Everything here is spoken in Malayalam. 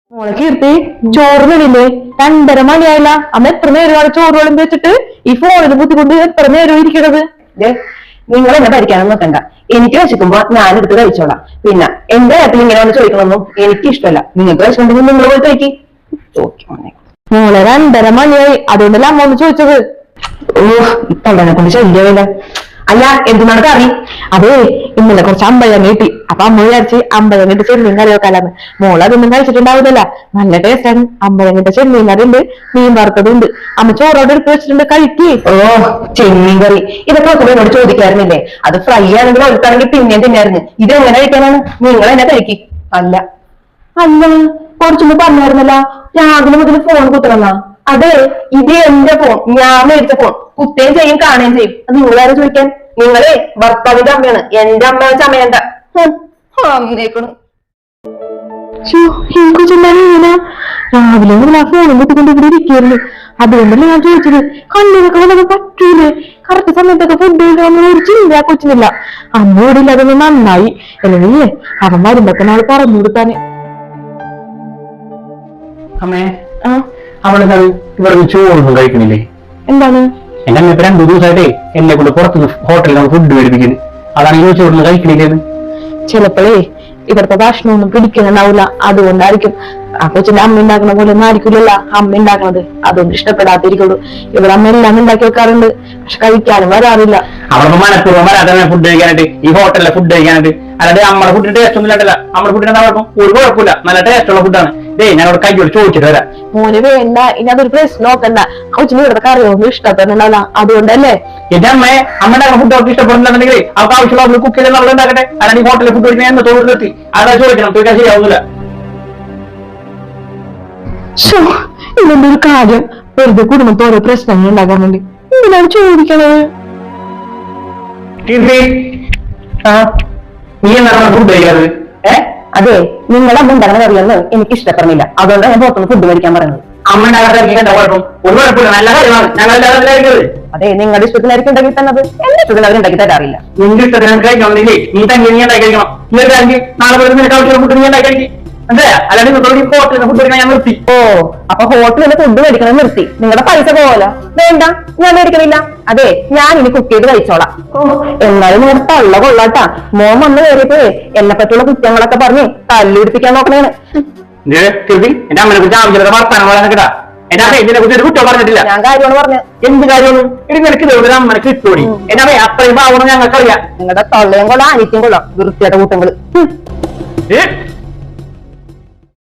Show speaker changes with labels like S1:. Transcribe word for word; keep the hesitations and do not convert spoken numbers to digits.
S1: മോളെ കീർത്തി ചോറിനില്ലേ രണ്ടര മണിയായില്ല അമ്മ എത്ര നേരമാണ് ചോറ് വിളമ്പി വെച്ചിട്ട് ഈ ഫോണിൽ ബുദ്ധിമുട്ട് എത്ര നേരം ഇരിക്കണത്.
S2: നിങ്ങൾ എന്നെ ഭരിക്കാനൊന്നും നോക്കണ്ട. എനിക്ക് വിശക്കുമ്പോ ഞാനെടുത്ത് കഴിച്ചോളാം. പിന്നെ എന്റെ കാര്യത്തിൽ ഇങ്ങനെ വന്ന് ചോദിക്കണമെന്നും എനിക്ക് ഇഷ്ടമല്ല. നിങ്ങൾക്ക് വിശക്കുണ്ടെങ്കിൽ നിങ്ങൾ പോയി കഴിക്കി.
S1: മോളെ രണ്ടര മണിയായി, അതുകൊണ്ടല്ല അമ്മ ഒന്ന് ചോദിച്ചത്.
S2: ഓ തൊണ്ടനെ കൊണ്ട് ശല്യമില്ല. അല്ല എന്തിനാണ് കറി?
S1: അതേ ഇന്നലെ കുറച്ച് അമ്പഴം കിട്ടി, അപ്പൊ അമ്മ വിചാരിച്ച് അമ്പഴം കിട്ടി ചെമ്മീൻ കറി വെക്കാലാന്ന്. മോള് അതൊന്നും കഴിച്ചിട്ടുണ്ടാവില്ല. നല്ല ടേസ്റ്റാണ്. അമ്പഴം കിട്ട ചെമ്മീൻ കറി ഉണ്ട്, മീൻ വറുത്തതുണ്ട്. അമ്മ ചോറോടെ എടുത്ത് വെച്ചിട്ടുണ്ട്, കഴിക്കേ.
S2: ഓ ചെമ്മീൻ കറി ഇതൊക്കെ നോക്കുമ്പോ എന്നോട് ചോദിക്കാറുന്നില്ലേ? അത് ഫ്രൈ ആണെങ്കിൽ ഒഴുക്കാണെങ്കിൽ പിന്നെയും തിന്നായിരുന്നു. ഇത് എങ്ങനെ കഴിക്കാനാണ്? നിങ്ങൾ എന്നെ കഴിക്കി. അല്ല അല്ല കുറച്ചുമ്പോ പറഞ്ഞായിരുന്നല്ല രാവിലെ മുതൽ ഫോൺ കുത്തണമെന്നാ. അതെ ഇത് എന്റെ ഫോൺ, ഞാൻ മേടിച്ച ഫോൺ. കുത്തുകയും ചെയ്യും കാണുകയും ചെയ്യും. അത് നിങ്ങളാരും ചോദിക്കാൻ? നിങ്ങളെ ഭർത്താവിന്റെ അമ്മയാണ്, എന്റെ അമ്മ വെച്ച അമ്മയണ്ട. അമ്മേക്കണു
S1: രാവിലെ മുതൽ ആ ഫോണും കുത്തിക്കൊണ്ട് ഇവിടെ ഇരിക്കുന്നു. അതുകൊണ്ടല്ലേ ഞാൻ ചോദിച്ചത്, കണ്ണിനൊക്കെ വന്നത് പറ്റൂലേ? കറക്റ്റ് സമയത്തൊക്കെ ഫുഡ് കഴിക്കാൻ ഒരു ചിന്ത കൊച്ചിനില്ല. അമ്മയോടില്ല, അതൊന്നും നന്നായി. അല്ലെങ്കിൽ അവൻ വരുമ്പോ നാളെ പറഞ്ഞു കൊടുത്താനെ.
S3: അമ്മേ അവള് ഇവിടെ ചോറൊന്നും കഴിക്കണില്ലേ?
S1: എന്താണ്?
S3: എന്റെ അമ്മ ഇപ്പൊ രണ്ടു ദിവസമായിട്ടേ എന്നെ കൊണ്ട് പുറത്തുനിന്ന് ഹോട്ടലിൽ ഫുഡ് മേടിപ്പിക്കുന്നത്. അതാണ് ഈ ചോറൊന്നും കഴിക്കണില്ലേന്ന്.
S1: ചിലപ്പോഴേ ഇവിടുത്തെ ഭക്ഷണമൊന്നും പിടിക്കുന്നുണ്ടാവില്ല, അതുകൊണ്ടായിരിക്കും. ആ കൊച്ചിന്റെ അമ്മ ഉണ്ടാക്കുന്ന പോലെ ഒന്നും ആയിരിക്കില്ലല്ലോ അമ്മ ഉണ്ടാക്കണത്, അതുകൊണ്ട് ഇഷ്ടപ്പെടാതിരിക്കുള്ളൂ. ഇവിടെ അമ്മ എല്ലാം ഉണ്ടാക്കി വെക്കാറുണ്ട്, പക്ഷെ കഴിക്കാനും വരാറില്ല.
S3: അവർക്ക് മനഃപൂർവ്വം വരാതെ ഫുഡ് കഴിക്കാനായിട്ട്, ഈ ഹോട്ടലിലെ ഫുഡ് കഴിക്കാനായിട്ട്. അല്ലാതെ നമ്മുടെ ഫുഡിന്റെ ടേസ്റ്റ് ഒന്നും ഇല്ലല്ല. നമ്മുടെ ഫുഡിന് അവർക്കും ഒരു കുഴപ്പമില്ല, നല്ല ടേസ്റ്റ് ഉള്ള ഫുഡാണ്. ഡേ ഞാൻ അവിടെ കൈയോട് ചോദിച്ചിട്ട് വരാം.
S1: മോന് വേണ്ട, ഇനി അതൊരു പ്രശ്നം നോക്കണ്ട. കൊച്ചിന് ഇവിടുത്തെ കറിയൊന്നും ഇഷ്ടപ്പെടുന്നുണ്ടല്ല, അതുകൊണ്ടല്ലേ.
S3: എന്റെ അമ്മയെ അമ്മയുടെ ഫുഡ് അവർക്ക് ഇഷ്ടപ്പെടുന്നുണ്ടെങ്കിൽ അവർക്ക് ആവശ്യമുള്ള കുക്ക് ചെയ്ത് നമ്മൾ ഉണ്ടാക്കട്ടെ. അല്ലെങ്കിൽ ഈ ഹോട്ടലിൽ ഫുഡ് കഴിക്കാൻ എന്നെ തോന്നി നിർത്തി അതാ ചോദിക്കണം. ചോദിക്കാൻ ശരിയാവുന്നില്ല.
S1: ഇതിന്റെ ഒരു കാര്യം വെറുതെ കുടുംബത്തിൽ ഓരോ പ്രശ്നങ്ങൾ ഉണ്ടാക്കാൻ വേണ്ടി എന്തിനാണ് ചോദിക്കണത്?
S3: നീ എന്താണ് ഫുഡ് കഴിക്കാറ്?
S2: ഏഹ് അതെ നിങ്ങളെ അമ്മ ഉണ്ടാക്കുന്ന കറിയൊന്ന് എനിക്ക് ഇഷ്ടപ്പെടുന്നില്ല, അതുകൊണ്ടാണ് ഞാൻ പുറത്തുനിന്ന് ഫുഡ് കഴിക്കാൻ പറയുന്നത്.
S3: അമ്മ ഉണ്ടാകാത്ത കുഴപ്പം ഒരു കുഴപ്പമില്ല, നല്ല കാര്യമാണ്. ഞങ്ങൾ
S2: അതെ നിങ്ങളുടെ ഇഷ്ടത്തിനായിരിക്കും ഉണ്ടാക്കി തന്നത്, എന്റെ ഇഷ്ടത്തിന് അവർ ഉണ്ടാക്കി തരാറില്ല.
S3: നിന്റെ ഇഷ്ടത്തിന് കഴിക്കണമെന്നില്ലേ നീ തന്നെ നീ ഉണ്ടാക്കി കഴിക്കണം. നീ ഒരു കാര്യം നാളെ പോലെ നിനക്ക് ആവശ്യമുള്ള ഫുഡ് നീ ഉണ്ടാക്കി കഴിക്കും. അതെ അല്ലാണ്ട് ഹോട്ടലിൽ ഫുഡ് കഴിക്കാൻ ഞാൻ നിർത്തി.
S2: ഓ അപ്പൊ ഹോട്ടലിൽ ഫുഡ് മേടിക്കണം നിർത്തി. നിങ്ങളുടെ പൈസ പോവല്ലോ. വേണ്ട ഞാൻ മേടിക്കണില്ല. അതെ ഞാൻ ഇനി കുക്ക് ചെയ്ത് കഴിച്ചോളാം. ഓ എന്നാലും നിങ്ങളുടെ തള്ള കൊള്ളാട്ടാ. മോൻ വന്ന് കയറിയപ്പോഴേ എന്നെ പറ്റിയുള്ള കുറ്റങ്ങളൊക്കെ പറഞ്ഞ് തല്ലുപിടിപ്പിക്കാൻ നോക്കണേണ്.
S3: എന്റെ അമ്മനെ കുറിച്ച് ആവശ്യമില്ല വർത്താനം പറയാൻ കേട്ടാ. എന്റെ അമ്മ ഇതിനെ കുറിച്ച് ഒരു കുറ്റം പറഞ്ഞിട്ടില്ല.
S2: ഞാൻ കാര്യമാണ് പറഞ്ഞത്.
S3: എന്ത് കാര്യമാണ്? ഇനി നിനക്ക് ഇതൊരു അമ്മനെ കിട്ടൂടി. എന്റെ അമ്മ അത്രയും ഭാവണം ഞങ്ങൾക്കറിയാം.
S2: നിങ്ങളുടെ തള്ളയും കൊള്ളാം അനിത്യം കൊള്ളാം വൃത്തിയായിട്ട കൂട്ടങ്ങള്.